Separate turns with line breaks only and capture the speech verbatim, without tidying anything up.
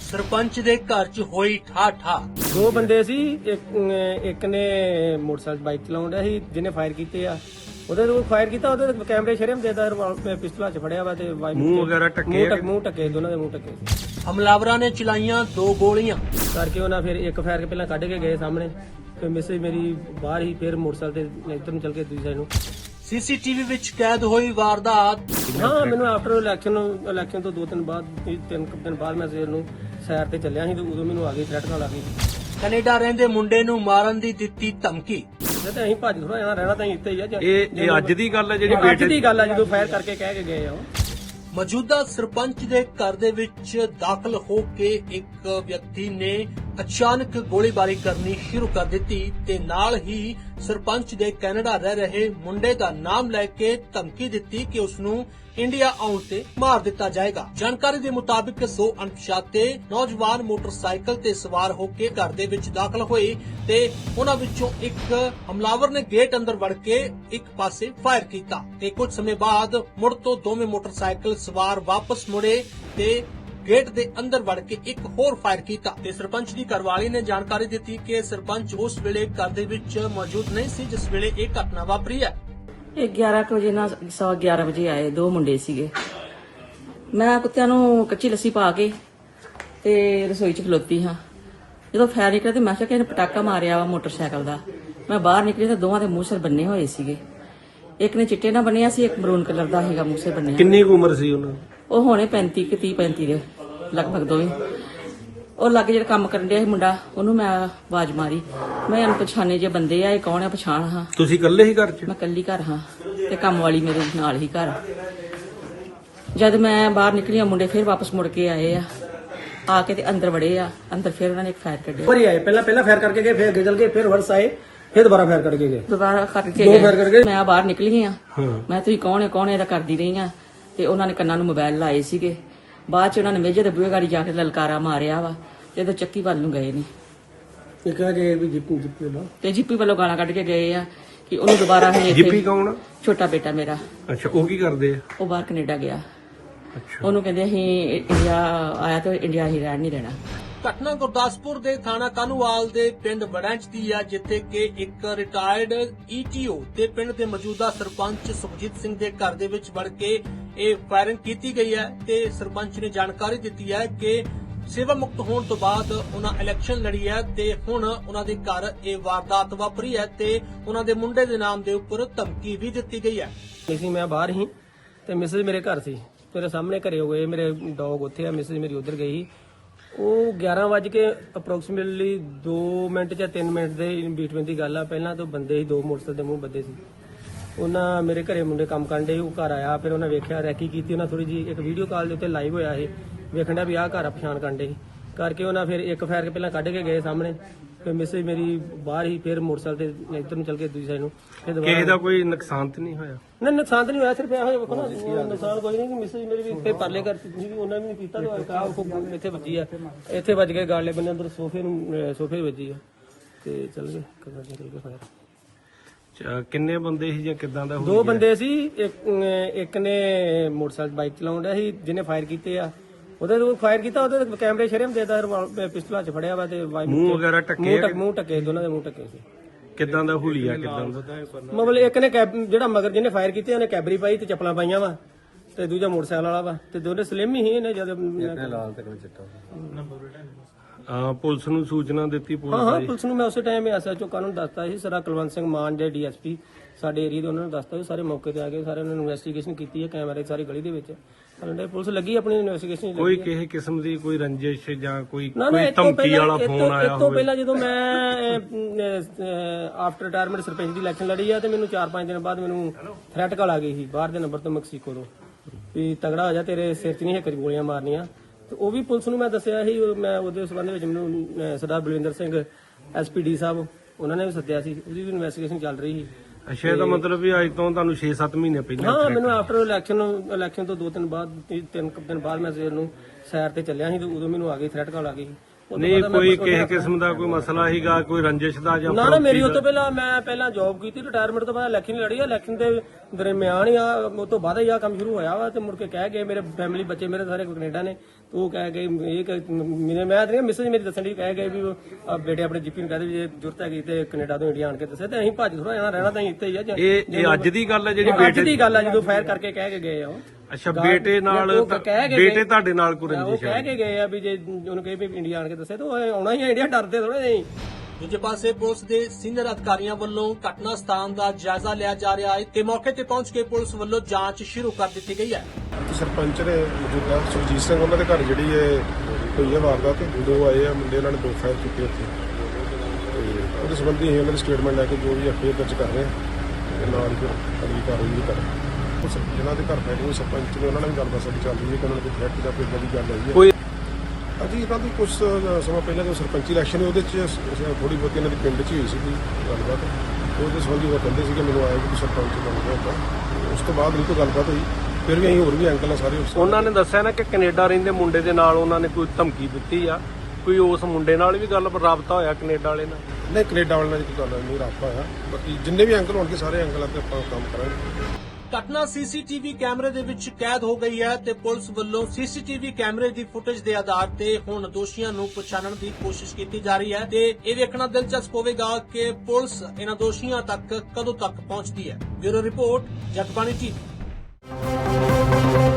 ਸਰਪੰਚ ਦੇ ਘਰ 'ਚ ਹੋਈ ਠਾ-ਠਾ।
ਦੋ ਬੰਦੇ ਸੀ, ਇੱਕ ਇੱਕ ਨੇ ਮੋਟਰਸਾਈਕਲ ਬਾਈਕ ਚਲਾਉਣ ਡਿਆ ਸੀ, ਜਿਹਨੇ ਫਾਇਰ ਕੀਤੇ ਆ। ਉਹਦੇ ਤੋਂ ਫਾਇਰ ਕੀਤਾ, ਉਹਦੇ ਕੈਮਰੇ ਸ਼ਰਮ ਦੇਦਾ ਪਿਸਤਲਾ 'ਚ ਫੜਿਆ ਵਾ ਤੇ
ਮੂੰਹ ਵਗੈਰਾ ਢੱਕੇ ਆ?
ਮੂੰਹ ਢੱਕੇ, ਦੋਨਾਂ ਦੇ ਮੂੰਹ ਢੱਕੇ
ਹਮਲਾਵਰਾਂ ਨੇ ਚਲਾਈਆਂ ਦੋ ਗੋਲੀਆਂ
ਕਰਕੇ। ਉਹਨਾਂ ਫਿਰ ਇੱਕ ਫਾਇਰ ਕੇ ਪਹਿਲਾਂ ਕੱਢ ਕੇ ਗਏ ਸਾਹਮਣੇ, ਫਿਰ ਮੈਸੇਜ ਮੇਰੀ ਬਾਹਰ ਹੀ, ਫਿਰ ਮੋਟਰਸਾਈਕਲ ਤੇ ਇੱਧਰ ਨੂੰ ਚੱਲ ਕੇ ਦੂਜੀ ਸਾਈਡ ਨੂੰ।
ਸੀਸੀਟੀਵੀ ਵਿੱਚ ਕੈਦ ਹੋਈ ਵਾਰਦਾਤ।
ਹਾਂ, ਮੈਨੂੰ ਆਫਟਰ ਇਲੈਕਸ਼ਨ ਇਲੈਕਸ਼ਨ ਤੋਂ ਦੋ ਦਿਨ ਬਾਅਦ, ਤਿੰਨ ਕੁ ਦਿਨ ਬਾਅਦ ਮੈਂ ਸਵੇਰ ਨੂੰ ਸੈਰ ਤੇ ਚੱਲਿਆ ਸੀ ਤੇ ਉਦੋਂ ਮੈਨੂੰ ਆ ਗਈ ਥ੍ਰੈਟ ਕਾਲ ਆ ਗਈ।
ਕੈਨੇਡਾ ਰਹਿੰਦੇ ਮੁੰਡੇ ਨੂੰ ਮਾਰਨ ਦੀ ਦਿੱਤੀ ਧਮਕੀ।
ਜੇ ਤਾਂ ਅਸੀਂ ਭੱਜ ਥੋੜਾ ਜਾਣਾ ਰਹਿਣਾ ਤਾਂ ਇੱਥੇ ਹੀ ਆ।
ਇਹ ਇਹ ਅੱਜ ਦੀ ਗੱਲ ਹੈ ਜਿਹੜੀ
ਅੱਜ
ਬੇਟੇ
ਦੀ ਗੱਲ ਆ, ਜਦੋਂ ਫਾਇਰ ਕਰਕੇ ਕਹਿ ਕੇ ਗਏ ਆ ਉਹ।
ਮੌਜੂਦਾ ਸਰਪੰਚ ਦੇ ਘਰ ਦੇ ਵਿੱਚ ਦਾਖਲ ਹੋ ਕੇ ਇੱਕ ਵਿਅਕਤੀ ਨੇ ਅਚਾਨਕ ਗੋਲੀਬਾਰੀ ਕਰਨੀ ਸ਼ੁਰੂ ਕਰ ਦਿੱਤੀ ਤੇ ਨਾਲ ਹੀ ਸਰਪੰਚ ਦੇ ਕੈਨੇਡਾ ਰਹਿ ਰਹੇ ਮੁੰਡੇ ਦਾ ਨਾਮ ਲੈ ਕੇ ਧਮਕੀ ਦਿੱਤੀ ਕਿ ਉਸ ਨੂੰ ਇੰਡੀਆ ਆਉਣ ਤੇ ਮਾਰ ਦਿੱਤਾ ਜਾਏਗਾ। ਜਾਣਕਾਰੀ ਦੇ ਮੁਤਾਬਿਕ ਦੋ ਅਣਪਛਾਤੇ ਨੌਜਵਾਨ ਮੋਟਰਸਾਈਕਲ ਤੇ ਸਵਾਰ ਹੋ ਕੇ ਘਰ ਦੇ ਵਿੱਚ ਦਾਖਲ ਹੋਏ ਤੇ ਉਹਨਾਂ ਵਿੱਚੋਂ ਇੱਕ ਹਮਲਾਵਰ ਨੇ ਗੇਟ ਅੰਦਰ ਵੜ ਕੇ ਇੱਕ ਪਾਸੇ ਫਾਇਰ ਕੀਤਾ ਤੇ ਕੁਝ ਸਮੇਂ ਬਾਅਦ ਮੁੜ ਤੋਂ ਦੋਵੇਂ ਮੋਟਰਸਾਈਕਲ ਸਵਾਰ ਵਾਪਸ ਮੁੜੇ ਤੇ ਗੇਟ ਦੇ ਅੰਦਰ ਵੜ ਕੇ ਇੱਕ ਹੋਰ ਫਾਇਰ ਕੀਤਾ ਤੇ ਸਰਪੰਚ ਦੀ ਘਰਵਾਲੀ ਨੇ ਜਾਣਕਾਰੀ ਦਿੱਤੀ ਕਿ ਸਰਪੰਚ ਉਸ ਵੇਲੇ ਘਰ ਦੇ ਵਿੱਚ ਮੌਜੂਦ ਨਹੀਂ ਸੀ ਜਿਸ ਵੇਲੇ ਇਹ ਘਟਨਾ ਵਾਪਰੀ ਹੈ।
ਇਹ ਗਿਆਰਾਂ ਕੁ ਵਜੇ ਨਾਲ ਸਵਾ ਗਿਆਰਾਂ ਵਜੇ ਆਏ, ਦੋ ਮੁੰਡੇ ਸੀਗੇ। ਮੈਂ ਕੁੱਤਿਆਂ ਨੂੰ ਕੱਚੀ ਲੱਸੀ ਪਾ ਕੇ ਤੇ ਰਸੋਈ 'ਚ ਖਲੋਤੀ ਹਾਂ। ਜਦੋਂ ਫਾਇਰ ਨਿਕਲਿਆ ਤੇ ਮੈਂ ਕਿਹਾ ਕਿ ਇਹਨੇ ਪਟਾਕਾ ਮਾਰਿਆ ਵਾ ਮੋਟਰਸਾਈਕਲ ਦਾ। ਮੈਂ ਬਾਹਰ ਨਿਕਲੀ ਤਾਂ ਦੋਵਾਂ ਦੇ ਮੂੰਹ ਸਿਰ ਬੰਨੇ ਹੋਏ ਸੀਗੇ। ਇੱਕ ਨੇ ਚਿੱਟੇ ਨਾਲ ਬੰਨਿਆ ਸੀ, ਇੱਕ ਮਰੂਨ ਕਲਰ ਦਾ ਸੀਗਾ ਮੂੰਹ ਸਿਰ ਬੰਨਿਆ।
ਕਿੰਨੀ ਕੁ ਉਮਰ ਸੀ ਉਹਨਾਂ ਦੀ?
ਉਹ ਹੋਣੇ ਪੈਂਤੀ ਕਿ ਤੀਹ ਪੈਂਤੀ ਦੇ ਲਗਭਗ ਦੋਵੇਂ। ਉਹ ਲੱਗ ਜਿਹੜਾ ਕੰਮ ਕਰਨ ਡਿਆ ਸੀ ਮੁੰਡਾ, ਉਹਨੂੰ ਮੈਂ ਆਵਾਜ਼ ਮਾਰੀ। ਮੈਂ ਅਣਪਛਾਣੇ ਜੇ ਬੰਦੇ ਆ, ਇਹ ਕੌਣ ਆ, ਪਛਾਣ ਹਾਂ।
ਤੁਸੀਂ ਇਕੱਲੇ ਹੀ ਘਰ 'ਚ?
ਮੈਂ ਕੱਲੀ ਘਰ ਹਾਂ ਤੇ ਕੰਮ ਵਾਲੀ ਮੇਰੇ ਨਾਲ ਹੀ ਘਰ। ਜਦ ਮੈਂ ਬਾਹਰ ਨਿਕਲੀ ਆ, ਮੁੰਡੇ ਫਿਰ ਵਾਪਸ ਮੁੜ ਕੇ ਆਏ ਆ, ਆ ਕੇ ਤੇ ਅੰਦਰ ਵੜੇ ਆ। ਅੰਦਰ ਫਿਰ ਉਹਨਾਂ ਨੇ ਇੱਕ ਫਾਇਰ ਕੱਢਿਆ।
ਉੱਪਰ ਹੀ ਆਏ, ਪਹਿਲਾਂ ਪਹਿਲਾਂ ਫਾਇਰ ਕਰਕੇ ਗਏ, ਫਿਰ ਅੱਗੇ ਚੱਲ ਗਏ, ਫਿਰ ਵਰਸ ਆਏ, ਫਿਰ ਦੁਬਾਰਾ ਫਾਇਰ ਕਰਕੇ ਗਏ।
ਦੁਬਾਰਾ ਕਰਕੇ
ਦੋ ਫਾਇਰ ਕਰਕੇ
ਗਏ। ਮੈਂ ਬਾਹਰ ਨਿਕਲੀ ਆ।
ਹਾਂ।
ਮੈਂ ਤੁਸੀਂ ਕੌਣ ਹੈ ਕੌਣ ਹੈ ਇਹਦਾ ਕਰਦੀ ਰਹੀ ਆ ਤੇ ਉਹਨਾਂ ਨੇ ਕੰਨਾਂ ਨੂੰ ਮੋਬਾਈਲ ਲਾਏ ਸੀਗੇ। ਬਾਅਦ ਚ ਉਹਨਾਂ ਨੇ ਮੇਜੇ ਦੇ ਬੂਹੇ ਗਾੜੀ ਜਾ ਕੇ ਲਲਕਾਰਾ ਮਾਰਿਆ ਵਾ ਤੇ ਜਦੋਂ ਚੱਕੀ ਵੱਲ ਨੂੰ ਗਏ ਨੇ
ਇੱਕ ਆ ਜੇ ਵੀ ਜਿੱਪੀ ਜਿੱਪੀ ਦਾ
ਤੇ ਜੀਪੀ ਵੱਲੋਂ ਗਾਲਾਂ ਕੱਢ ਕੇ ਗਏ ਆ ਕਿ ਉਹਨੂੰ ਦੁਬਾਰਾ ਹਲੇ
ਜਿੱਪੀ ਕੌਣ ਆ?
ਛੋਟਾ ਬੇਟਾ ਮੇਰਾ।
ਅੱਛਾ, ਉਹ ਕੀ ਕਰਦੇ ਆ?
ਉਹ ਬਾਹਰ ਕੈਨੇਡਾ ਗਿਆ।
ਅੱਛਾ,
ਉਹਨੂੰ ਕਹਿੰਦੇ ਅਸੀਂ ਇੰਡੀਆ ਆਇਆ ਤੇ ਇੰਡੀਆ ਹੀ ਰਹਿਣ ਨਹੀਂ ਦੇਣਾ।
ਘਟਨਾ ਗੁਰਦਾਸਪੁਰ ਦੇ ਥਾਣਾ ਕਾਨੂੰਵਾਲ ਦੇ ਪਿੰਡ ਵੜੈਂਚ ਦੀ ਹੈ, ਜਿੱਥੇ ਕਿ ਇੱਕ ਰਿਟਾਇਰਡ ਈਟੀਓ ਤੇ ਪਿੰਡ ਦੇ ਮੌਜੂਦਾ ਸਰਪੰਚ ਸੁਖਜੀਤ ਸਿੰਘ ਦੇ ਘਰ ਦੇ ਵਿੱਚ ਵੜ ਕੇ ਇਹ ਫਾਇਰਿੰਗ ਕੀਤੀ ਗਈ ਹੈ ਤੇ ਸਰਪੰਚ ਨੇ ਜਾਣਕਾਰੀ ਦਿੱਤੀ ਹੈ ਕਿ ਸੇਵਾ ਮੁਕਤ ਹੋਣ ਤੋਂ ਬਾਅਦ ਉਹਨਾਂ ਇਲੈਕਸ਼ਨ ਲੜੀ ਹੈ ਤੇ ਹੁਣ ਉਹਨਾਂ ਦੇ ਘਰ ਇਹ ਵਾਰਦਾਤ ਵਾਪਰੀ ਹੈ ਤੇ ਉਹਨਾਂ ਦੇ ਮੁੰਡੇ ਦੇ ਨਾਮ ਦੇ ਉੱਪਰ ਧਮਕੀ ਵੀ ਦਿੱਤੀ ਗਈ ਹੈ।
ਸੀ ਮੈਂ ਬਾਹਰ ਹੀ ਤੇ ਮਿਸਿਸ ਮੇਰੇ ਘਰ ਸੀ, ਮੇਰੇ ਸਾਹਮਣੇ ਘਰੇ ਹੋਏ, ਮੇਰੇ ਡੌਗ ਉੱਥੇ ਆ, ਮਿਸਿਸ ਮੇਰੀ ਉਧਰ ਗਈ। ਉਹ ਗਿਆਰਾਂ ਵਜੇ ਕੇ ਅਪਰੋਕਸੀਮੇਟਲੀ ਦੋ ਮਿੰਟ ਜਾਂ ਤਿੰਨ ਮਿੰਟ ਦੇ ਬੀਟਵੀਨ ਦੀ ਗੱਲ ਆ। ਪਹਿਲਾਂ ਤੋਂ ਬੰਦੇ ਸੀ, ਦੋ ਮੋਟਰਸਾਈਕਲ ਦੇ ਮੂੰਹ ਬੱਦੇ ਸੀ। ਉਹਨਾਂ ਮੇਰੇ ਘਰੇ ਮੁੰਡੇ ਕੰਮ ਕਰਨ ਦੇ, ਉਹ ਘਰ ਆਇਆ, ਫਿਰ ਉਹਨਾਂ ਵੇਖਿਆ, ਰੈਕੀ ਕੀਤੀ। ਉਹਨਾਂ ਥੋੜੀ ਜੀ ਇੱਕ ਵੀਡੀਓ ਕਾਲ ਦੇ ਉੱਤੇ ਲਾਈਵ ਹੋਇਆ ਇਹ, ਵੇਖਣ ਦਾ ਵੀ ਆਹ ਘਰ ਆ, ਪਛਾਣ ਕਰਨ ਦੇ ਕਰਕੇ। ਉਹਨਾਂ ਫਿਰ ਇੱਕ ਫਾਇਰ ਕੇ ਪਹਿਲਾਂ ਕੱਢ ਕੇ ਗਏ ਸਾਹਮਣੇ, ਫਿਰ ਮਿਸਿਸ ਮੇਰੀ ਬਾਹਰ ਹੀ, ਫਿਰ ਮੋਟਰਸਾਈਕਲ ਤੇ ਇੱਧਰ ਨੂੰ ਚੱਲ ਕੇ ਦੂਜੀ ਸਾਈਡ ਨੂੰ। ਫਿਰ
ਕਿਸੇ
ਦੁਬਾਰਾ
ਦਾ ਕੋਈ ਨੁਕਸਾਨ ਤਾਂ ਨਹੀਂ ਹੋਇਆ?
ਨਹੀਂ, ਨੁਕਸਾਨ ਤਾਂ ਨਹੀਂ ਹੋਇਆ, ਸਿਰਫ ਇਹੋ ਵੇਖੋ ਨਾ, ਨੁਕਸਾਨ ਕੋਈ ਨਹੀਂ ਕਿ ਮਿਸਿਸ ਮੇਰੀ ਵੀ ਇੱਥੇ ਪਰਲੇ ਘਰ ਸੀ, ਉਹਨਾਂ ਨੇ ਵੀ ਕੀਤਾ ਤਾਂ ਇੱਥੇ ਵੱਜੀ ਆ, ਇੱਥੇ ਵੱਜ ਕੇ ਗਾਲੇ ਬੰਨੇ ਅੰਦਰ ਸੋਫੇ ਨੂੰ, ਸੋਫੇ ਵੱਜੀ ਆ ਤੇ ਚੱਲ ਗਏ ਕਮਰੇ ਨਿਕਲ ਕੇ ਫਾਇਰ।
ਅੱਛਾ, ਕਿੰਨੇ ਬੰਦੇ ਸੀ ਜਾਂ ਕਿਦਾਂ ਦਾ?
ਦੋ ਬੰਦੇ ਸੀ, ਇੱਕ ਇੱਕ ਨੇ ਮੋਟਰਸਾਈਕਲ ਬਾਈਕ ਚਲਾਉਣ ਡਿਆ ਸੀ, ਜਿਹਨੇ ਫਾਇਰ ਕੀਤੇ ਆ। ਉਹਦੇ ਤੋਂ ਫਾਇਰ ਕੀਤਾ, ਉਹਦੇ ਕੈਮਰੇ ਸ਼ਰਮ ਦੇਦਾ ਪਿਸਤਲਾ 'ਚ ਫੜਿਆ ਵਾ ਤੇ
ਮੂੰਹ ਵਗੈਰਾ ਢੱਕੇ ਆ?
ਮੂੰਹ ਢੱਕੇ, ਦੋਨਾਂ ਦੇ ਮੂੰਹ ਢੱਕੇ ਸੀ।
ਕਿਦਾਂ ਦਾ ਹੁਲੀਆ? ਕਿਦਾਂ ਦਾ?
ਮਤਲਬ ਇੱਕ ਨੇ ਕੈਬ, ਜਿਹੜਾ ਮਗਰ ਜਿਹਨੇ ਫਾਇਰ ਕੀਤੇ, ਉਹਨੇ ਕੈਬਰੀ ਪਾਈ ਤੇ ਚੱਪਲਾਂ ਪਾਈਆਂ ਵਾ, ਤੇ ਦੂਜਾ ਮੋਟਰਸਾਈਕਲ ਵਾਲਾ ਵਾ, ਤੇ ਦੋਨੇ ਸਲਿਮ ਹੀ ਇਹਨੇ ਜਦ ਲਾਲ ਤੇ ਚਿੱਟਾ।
ਆ ਪੁਲਿਸ ਨੂੰ ਸੂਚਨਾ ਦਿੱਤੀ?
ਹਾਂ ਹਾਂ,
ਪੁਲਿਸ
ਪੁਲਿਸ ਨੂੰ ਮੈਂ ਉਸੇ ਟਾਈਮ ਐਸਐਚਓ ਕਾਨੂੰਨ ਦੱਸਤਾ ਸੀ, ਸਰ ਕੁਲਵੰਤ ਸਿੰਘ ਮਾਨ ਦੇ ਡੀਐਸਪੀ ਸਾਡੇ ਏਰੀਆ ਦੇ, ਉਹਨਾਂ ਨੂੰ ਦੱਸਤਾ ਸੀ। ਸਾਰੇ ਮੌਕੇ ਤੇ ਆ ਗਏ, ਸਾਰੇ ਉਹਨਾਂ ਨੇ ਇਨਵੈਸਟੀਗੇਸ਼ਨ ਕੀਤੀ ਹੈ, ਕੈਮਰੇ ਸਾਰੀ ਗਲੀ ਦੇ ਵਿੱਚ। ਪੁਲਿਸ ਲੱਗੀ ਆਪਣੀ ਇਨਵੈਸਟੀਗੇਸ਼ਨ।
ਕੋਈ ਕਿਸੇ ਕਿਸਮ ਦੀ ਕੋਈ ਰੰਜਿਸ਼ ਜਾਂ ਕੋਈ
ਨਾ ਨਾ,
ਕੋਈ
ਇਹ ਤੋਂ
ਧਮਕੀ ਵਾਲਾ
ਪਹਿਲਾਂ
ਫੋਨ ਆਇਆ
ਇਹ ਤੋਂ
ਹੋਵੇ?
ਪਹਿਲਾਂ ਜਦੋਂ ਮੈਂ ਆਫਟਰ ਰਿਟਾਇਰਮੈਂਟ ਸਰਪੰਚ ਦੀ ਇਲੈਕਸ਼ਨ ਲੜੀ ਆ ਤੇ ਮੈਨੂੰ ਚਾਰ ਪੰਜ ਦਿਨ ਬਾਅਦ ਮੈਨੂੰ ਥ੍ਰੈਟ ਕਾਲ ਆ ਗਈ ਸੀ ਬਾਹਰ ਦੇ ਨੰਬਰ ਤੋਂ, ਮੈਕਸੀਕੋ ਤੋਂ, ਵੀ ਤਗੜਾ ਹੋ ਜਾ, ਤੇਰੇ ਸਿਰ 'ਚ ਨਹੀਂ ਇੱਕ ਗੋਲੀਆਂ ਮਾਰਨੀਆਂ। ਤੇ ਉਹ ਵੀ ਪੁਲਿਸ ਨੂੰ ਮੈਂ ਦੱਸਿਆ ਸੀ। ਮੈਂ ਉਹਦੇ ਸੰਬੰਧ ਵਿੱਚ ਮੈਨੂੰ ਸਰਦਾਰ ਬਲਵਿੰਦਰ ਸਿੰਘ ਐਸਪੀਡੀ ਸਾਹਿਬ, ਉਹਨਾਂ ਨੇ ਵੀ ਸੱਦਿਆ ਸੀ, ਉਹਦੀ ਵੀ ਇਨਵੈਸਟੀਗੇਸ਼ਨ ਚੱਲ ਰਹੀ ਸੀ।
ਅੱਛਾ, ਇਹਦਾ ਮਤਲਬ ਵੀ ਅੱਜ ਤੋਂ ਤੁਹਾਨੂੰ ਛੇ ਸੱਤ ਮਹੀਨੇ ਪਹਿਲਾਂ?
ਹਾਂ, ਮੈਨੂੰ ਆਫਟਰ ਇਲੈਕਸ਼ਨ ਇਲੈਕਸ਼ਨ ਤੋਂ ਦੋ ਦਿਨ ਬਾਅਦ, ਤਿੰਨ ਕੁ ਦਿਨ ਬਾਅਦ ਮੈਂ ਸਵੇਰ ਨੂੰ ਸੈਰ ਤੇ ਚੱਲਿਆ ਸੀ ਤੇ ਉਦੋਂ ਮੈਨੂੰ ਆ ਗਈ ਥ੍ਰੈਟ ਕਾਲ ਆ ਗਈ। ਤੋਂ
ਨਹੀਂ
ਬਾਅਦ ਮੈਂ
ਕੋਈ
ਉਹਦੇ
ਕਿਸੇ
ਹੱਥ-
ਕਿਸਮ ਦਾ ਕੋਈ ਮਸਲਾ ਹੀਗਾ, ਕੋਈ ਰੰਜਿਸ਼ ਦਾ ਜਾਂ
ਨਾ ਨਾ ਮੇਰੀ
ਫਰੋਖਤੀ
ਉਹ ਤੋਂ
ਦਾ?
ਪਹਿਲਾਂ ਮੈਂ ਪਹਿਲਾਂ ਜੌਬ ਕੀਤੀ, ਰਿਟਾਇਰਮੈਂਟ ਤੋਂ ਬਾਅਦ ਇਲੈਕਸ਼ਨ ਲੜੀ ਆ, ਇਲੈਕਸ਼ਨ ਦੇ ਦਰਮਿਆਨ ਹੀ ਆ ਉਹ ਤੋਂ ਬਾਅਦ ਹੀ ਆ ਕੰਮ ਸ਼ੁਰੂ ਹੋਇਆ ਵਾ। ਤੇ ਮੁੜ ਕੇ ਕਹਿ ਗਏ ਮੇਰੇ ਫੈਮਿਲੀ ਬੱਚੇ ਮੇਰੇ ਸਾਰੇ ਕੈਨੇਡਾ ਨੇ, ਤੇ ਉਹ ਕਹਿ ਗਏ ਇਹ ਕਿ ਮੇਰੇ ਮੈਂ ਤੇ ਮਿਸਜ ਮੇਰੀ ਦੱਸਣ ਦੀ ਕਹਿ ਗਏ ਵੀ ਆ ਬੇਟੇ ਆਪਣੇ ਜੀਪੀ ਨੂੰ ਕਹਦੇ ਵੀ ਜੇ ਜ਼ਰੂਰਤ ਹੈਗੀ ਤੇ ਕੈਨੇਡਾ ਤੋਂ ਇੰਡੀਆ ਆਣ ਕੇ ਦੱਸੇ, ਤੇ ਅਸੀਂ ਭੱਜ ਥੋੜਾ ਜਾਣਾ ਰਹਿਣਾ ਤਾਂ ਅਸੀਂ ਇੱਥੇ ਹੀ ਆ।
ਇਹ ਇਹ ਅੱਜ ਦੀ ਗੱਲ ਹੈ ਜਿਹੜੀ
ਅੱਜ
ਬੇਟੇ
ਦੀ ਗੱਲ ਆ ਜਦੋਂ ਫਾਇਰ ਕਰਕੇ ਕਹਿ ਕੇ ਗਏ ਆ ਉਹ।
ਅੱਛਾ ਬੇਟੇ ਨਾਲ
ਉਹ ਕਹਿ ਕੇ
ਬੇਟੇ
ਗਏ-
ਤੁਹਾਡੇ ਨਾਲ ਕੋਈ
ਉਹ
ਰੰਜਿਸ਼
ਕਹਿ
ਹੈ?
ਕੇ ਗਏ ਆ ਵੀ ਜੇ ਉਹਨੂੰ ਕਹੇ ਵੀ ਇੰਡੀਆ ਆਣ ਕੇ ਦੱਸੇ ਤਾਂ ਉਹ ਆਉਣਾ ਹੀ ਆ ਇੰਡੀਆ, ਡਰਦੇ ਥੋੜੇ ਨਹੀਂ।
ਦੂਜੇ ਪਾਸੇ ਪੁਲਿਸ ਦੇ ਸੀਨੀਅਰ ਅਧਿਕਾਰੀਆਂ ਵੱਲੋਂ ਘਟਨਾ ਸਥਾਨ ਦਾ ਜਾਇਜ਼ਾ ਲਿਆ ਜਾ ਰਿਹਾ ਹੈ ਤੇ ਮੌਕੇ ਤੇ ਪਹੁੰਚ ਕੇ ਪੁਲਿਸ ਵੱਲੋਂ ਜਾਂਚ ਸ਼ੁਰੂ ਕਰ ਦਿੱਤੀ ਗਈ ਹੈ।
ਸਰਪੰਚ ਨੇ ਮੌਜੂਦਾ ਸੁਰਜੀਤ ਸਿੰਘ ਉਹਨਾਂ ਦੇ ਘਰ ਜਿਹੜੀ ਹੈ ਹੋਈ ਹੈ ਵਾਰਦਾਤ, ਦੋ ਆਏ ਆ ਮੁੰਡੇ, ਉਹਨਾਂ ਨੇ ਦੋ ਫਾਇਰ ਕੀਤੇ ਉੱਥੇ ਤੇ ਉਹਦੇ ਸੰਬੰਧੀ ਅਸੀਂ ਉਹਨਾਂ ਦੀ ਸਟੇਟਮੈਂਟ ਲੈ ਕੇ ਜੋ ਵੀ ਐਫਆਈਆਰ ਦਰਜ ਕਰ ਰਹੇ ਹਾਂ ਤੇ ਨਾਲ ਹੀ ਫਿਰ ਅਗਲੀ ਕਾਰਵਾਈ ਵੀ ਕਰ ਰਹੇ ਹਾਂ। ਉਸ ਜਿਹਨਾਂ ਦੇ ਘਰ ਬੈਠੇ ਹੋਏ ਸਰਪੰਚ ਨੇ ਉਹਨਾਂ ਨਾਲ ਵੀ ਗੱਲਬਾਤ ਸਾਡੀ ਚੱਲ ਰਹੀ ਹੈ ਕਿ ਉਹਨਾਂ ਨੇ ਕੋਈ ਥ੍ਰੈਟ ਜਾਂ ਕੋਈ ਇੱਦਾਂ ਦੀ ਗੱਲ ਆਈ ਹੈ।
ਕੋਈ
ਅਜੀ ਇਹਨਾਂ ਦੀ ਕੁਝ ਸਮਾਂ ਪਹਿਲਾਂ ਜੋ ਸਰਪੰਚੀ ਇਲੈਕਸ਼ਨ ਉਹਦੇ 'ਚ ਥੋੜੀ ਬਹੁਤੀ ਇਹਨਾਂ ਦੀ ਪਿੰਡ 'ਚ ਹੀ ਹੋਈ ਸੀਗੀ ਗੱਲਬਾਤ, ਉਹਦੇ ਸੰਬੰਧੀ ਉਹ ਕਹਿੰਦੇ ਸੀ ਕਿ ਮੈਨੂੰ ਆਇਆ ਕਿ ਸਰਪੰਚ ਬਣ ਗਿਆ ਤਾਂ ਉਸ ਤੋਂ ਬਾਅਦ ਨਹੀਂ ਕੋਈ ਗੱਲਬਾਤ ਹੋਈ। ਫਿਰ ਵੀ ਅਸੀਂ ਹੋਰ ਵੀ ਅੰਕਲ ਆ ਸਾਰੇ ਉਸ
ਉਹਨਾਂ ਨੇ ਦੱਸਿਆ ਨਾ ਕਿ ਕੈਨੇਡਾ ਰਹਿੰਦੇ ਮੁੰਡੇ ਦੇ ਨਾਲ ਉਹਨਾਂ ਨੇ ਕੋਈ ਧਮਕੀ ਦਿੱਤੀ ਆ, ਕੋਈ ਉਸ ਮੁੰਡੇ ਨਾਲ ਵੀ ਗੱਲ ਰਾਬਤਾ ਹੋਇਆ ਕੈਨੇਡਾ ਵਾਲੇ ਨਾਲ?
ਨਹੀਂ ਕੈਨੇਡਾ ਵਾਲਿਆਂ ਦੀ ਕੋਈ ਗੱਲ ਨਹੀਂ, ਰਾਬਤਾ ਹੋਇਆ। ਬਾਕੀ ਜਿੰਨੇ ਵੀ ਅੰਕਲ ਹੋਣਗੇ ਸਾਰੇ ਅੰਕਲਾਂ ਤੇ ਆਪਾਂ ਕੰਮ ਕਰਾਂਗੇ।
ਘਟਨਾ ਸੀਸੀਟੀਵੀ ਕੈਮਰੇ ਦੇ ਵਿੱਚ ਕੈਦ ਹੋ ਗਈ ਹੈ ਤੇ ਪੁਲਿਸ ਵੱਲੋਂ ਸੀਸੀਟੀਵੀ ਕੈਮਰੇ ਦੀ ਫੁਟੇਜ ਦੇ ਆਧਾਰ ਤੇ ਹੁਣ ਦੋਸ਼ੀਆਂ ਨੂੰ ਪਛਾਣਨ ਦੀ ਕੋਸ਼ਿਸ਼ ਕੀਤੀ ਜਾ ਰਹੀ ਹੈ ਤੇ ਇਹ ਵੇਖਣਾ ਦਿਲਚਸਪ ਹੋਵੇਗਾ ਕਿ ਪੁਲਿਸ ਇਹਨਾਂ ਦੋਸ਼ੀਆਂ ਤੱਕ ਕਦੋਂ ਤੱਕ ਪਹੁੰਚਦੀ ਹੈ। Bureau report, Jagbani TV.